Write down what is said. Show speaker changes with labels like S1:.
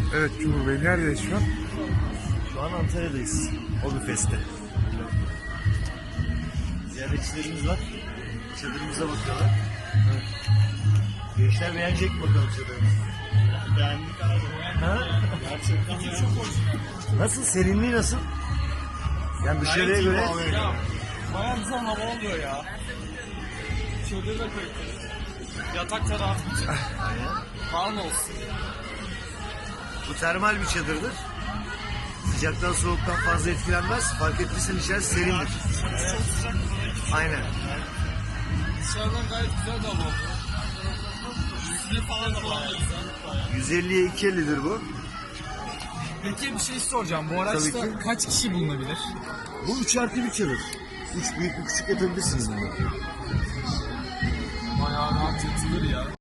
S1: Evet Cumhur Bey, neredeyiz şu an?
S2: Şu an Antalya'dayız. Hobifest'te. Ziyaretçilerimiz var. Çadırımıza bakıyorlar. Evet. Gençler beğenecek mi bakalım çadırımızı? Beğendik abi. Ha? Gerçekten çok hoş. Nasıl? Serinliği nasıl? Yani dışarıya göre...
S3: Ya, bayağı güzel hava oluyor ya. Şöyle de koyayım. Yatak tarafı için. Kalın olsun.
S2: Bu termal bir çadırdır. Sıcaktan soğuktan fazla etkilenmez. Fark ettiysen içerisi serindir.
S3: Çok sıcak.
S2: Aynen.
S3: Dışarıdan gayet güzel de hava oluyor. Yüzde falan da güzel.
S2: 150'ye 250'dir bu.
S3: Peki bir şey soracağım. Bu
S2: Tabii
S3: araçta
S2: ki.
S3: kaç kişi bulunabilir?
S2: Bu 3+1 çadır. 3 büyük bir küçük yapabilirsiniz bunu.
S3: Bayağı rahat yatılır ya.